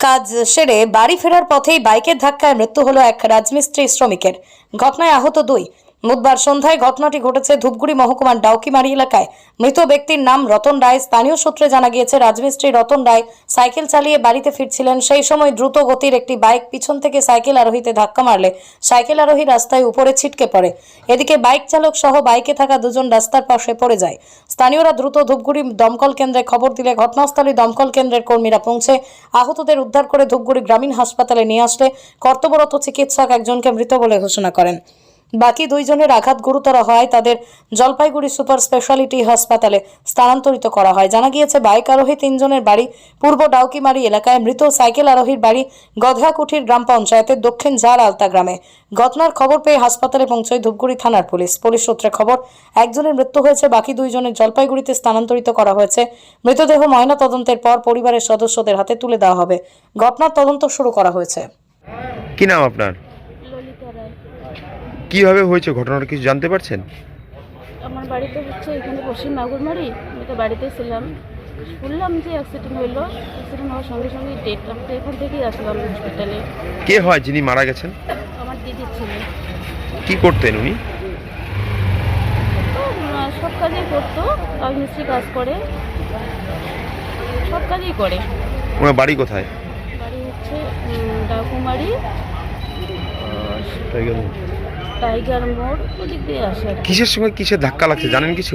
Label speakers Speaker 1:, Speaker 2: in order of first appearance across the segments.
Speaker 1: কাজ সেরে বাড়ি ফেরার পথেই বাইকের ধাক্কায় মৃত্যু হলো এক রাজমিস্ত্রি শ্রমিকের। ঘটনায় আহত দুই। বুধবার সন্ধ্যায় ঘটনাটি ঘটেছে ধূপগুড়ি মহকুমার ডাউকিমারি এলাকায়। মৃত ব্যক্তির নাম রতন রায়। স্থানীয় সূত্রে জানা গিয়েছে, রাজমিস্ত্রি রতন রায় সাইকেল চালিয়ে বাড়িতে ফিরছিলেন। সেই সময় দ্রুত গতির একটি বাইক পিছন থেকে সাইকেল আরোহীতে ধাক্কা মারলে সাইকেল আরোহী রাস্তায় উপরে ছিটকে পড়ে। এদিকে বাইক চালক সহ বাইকে থাকা দুজন রাস্তার পাশে পড়ে যায়। স্থানীয়রা দ্রুত ধূপগুড়ি দমকল কেন্দ্রে খবর দিলে ঘটনাস্থলে দমকল কেন্দ্রের কর্মীরা পৌঁছে আহতদের উদ্ধার করে ধূপগুড়ি গ্রামীণ হাসপাতালে নিয়ে আসলে কর্তব্যরত চিকিৎসক একজনকে মৃত বলে ঘোষণা করেন। বাকি দুইজনের আঘাত গুরুতর হয় তাদের জলপাইগুড়ি সুপার স্পেশালিটি হাসপাতালে স্থানান্তরিত করা হয়। জানা গিয়েছে, বাইক আরোহী তিনজনের বাড়ি পূর্ব ডাউকিমারি এলাকায়। মৃত সাইকেল আরোহীর বাড়ি গধাকুঠির গ্রাম পঞ্চায়েতের দক্ষিণ ঝাড় আলতা গ্রামে। ঘটনার খবর পেয়ে হাসপাতালে পৌঁছয় ধূপগুড়ি থানার পুলিশ। পুলিশ সূত্রে খবর, একজনের মৃত্যু হয়েছে, বাকি দুইজনের জলপাইগুড়িতে স্থানান্তরিত করা হয়েছে। মৃতদেহ ময়না তদন্তের পর পরিবারের সদস্যদের হাতে তুলে দেওয়া হবে। ঘটনার তদন্ত শুরু করা হয়েছে।
Speaker 2: কি নাম আপনার? কিভাবে হয়েছে ঘটনাটা কিছু জানতে পারছেন?
Speaker 3: আমার বাড়িতে হচ্ছে এখানে পশ্চিম নাগরমারি। আমি তো বাড়িতে ছিলাম, শুনলাম যে অ্যাক্সিডেন্ট হইলো। অ্যাক্সিডেন্ট হওয়ার সঙ্গে সঙ্গে ডেট, আমি তো এখান থেকেই আসলাম হসপিটালে।
Speaker 2: কে হয় যিনি মারা গেছেন?
Speaker 3: আমার দিদির ছেলে।
Speaker 2: কি করতেন উনি?
Speaker 3: সব কাজই করতো, রাজমিস্ত্রি কাজ করে, সব কাজই করে।
Speaker 2: ওনার বাড়ি কোথায়?
Speaker 3: বাড়ি হচ্ছে ডাকুমারি টাইগার মোড়, ওদিক দিয়ে আসে।
Speaker 2: কিসের সঙ্গে কিসের ধাক্কা লাগছে জানেন কিছু?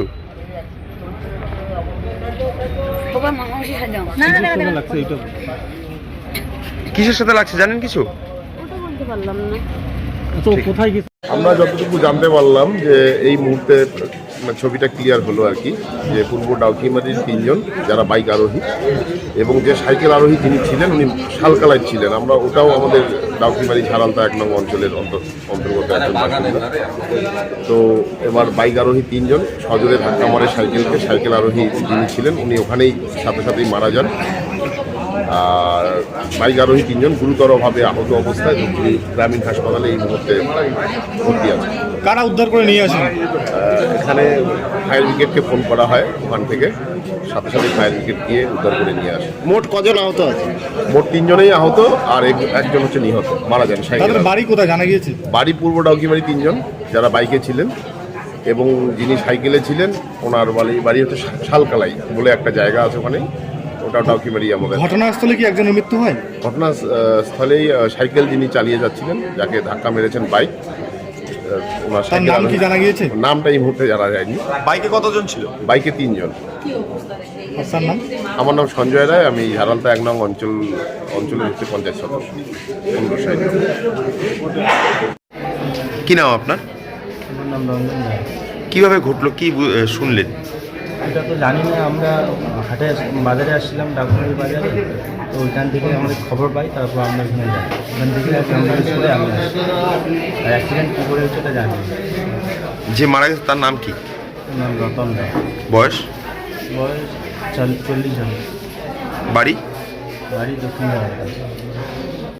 Speaker 2: কিসের সাথে লাগছে জানেন কিছু?
Speaker 3: ওটা বলতে পারলাম না।
Speaker 4: আমরা যতটুকু জানতে পারলাম যে এই মুহূর্তে ছবিটা ক্লিয়ার হলো আর কি, যে পূর্ব ডাউকিমারির তিনজন যারা বাইক আরোহী এবং যে সাইকেল আরোহী যিনি ছিলেন উনি শালকালায় ছিলেন। আমরা ওটাও আমাদের ডাউকিমারি ঝাড়ালতা 1 নং অঞ্চলের অন্তর্গত একজন বাসিন্দা। তো এবার বাইক আরোহী তিনজন সজোরে ধাক্কা মারে সাইকেলকে। সাইকেল আরোহী যিনি ছিলেন উনি ওখানেই সাথে সাথেই মারা যান। আর বাইক আরোহী তিনজন গুরুতরভাবে আহত অবস্থায় ধূপগুড়ি গ্রামীণ হাসপাতালে এই মুহূর্তে ভর্তি আছে।
Speaker 5: কারা উদ্ধার করে নিয়ে আসেন?
Speaker 4: এখানে ফায়ার ব্রিগেডকে ফোন করা হয়, ওখান থেকে সাথে সাথে ফায়ার ব্রিগেড গিয়ে উদ্ধার করে নিয়ে আসে।
Speaker 5: মোট কজন আহত আছে?
Speaker 4: মোট 3 জনেই আহত, আর একজন হচ্ছে নিহত, মারা যান।
Speaker 5: তাদের বাড়ি কোথায় জানা গিয়েছে?
Speaker 4: বাড়ি পূর্ব ডাউকিমারি 3 জন যারা বাইকে ছিলেন, এবং যিনি সাইকেলে ছিলেন ওনার বাড়ি হচ্ছে শালকালাই বলে একটা জায়গা আছে ওখানে, ওটা ডাউকিমারি আমাদের।
Speaker 5: ঘটনাস্থলে কি একজনের মৃত্যু হয়?
Speaker 4: ঘটনাস্থলেই সাইকেল যিনি চালিয়ে যাচ্ছিলেন, যাকে ধাক্কা মেরেছেন বাইক, ওনার
Speaker 5: তার নাম কি জানা গিয়েছে?
Speaker 4: নামটা এই মুহূর্তে জানা যায়নি।
Speaker 2: বাইকে কতজন ছিল?
Speaker 4: বাইকে 3 জন।
Speaker 5: তার নাম?
Speaker 4: আমার নাম সঞ্জয় রায়, আমি ঝাড়ালতা 1 নং অঞ্চলের হচ্ছে পঞ্চায়েত সদস্য।
Speaker 2: কি নাম আপনার?
Speaker 6: আমার নাম রঞ্জন রায়।
Speaker 2: কিভাবে ঘটলো, কি শুনলেন?
Speaker 6: এটা তো জানি না, আমরা বাজারে আসছিলাম, ডাকুমারি বাজারে। তো ওইখান থেকে আমাদের খবর পাই, তারপর আমরা এখানে যাই। ওখান থেকে অ্যাম্বুলেন্স করে আমি আসি। আর অ্যাক্সিডেন্ট কী করে হচ্ছে এটা জানি না।
Speaker 2: যে মারা গেছে তার নাম কি?
Speaker 6: ওর নাম রতন রায়।
Speaker 2: বয়স?
Speaker 6: বয়স 40 জন।
Speaker 2: বাড়ি?
Speaker 6: বাড়ি দক্ষিণ ভারত।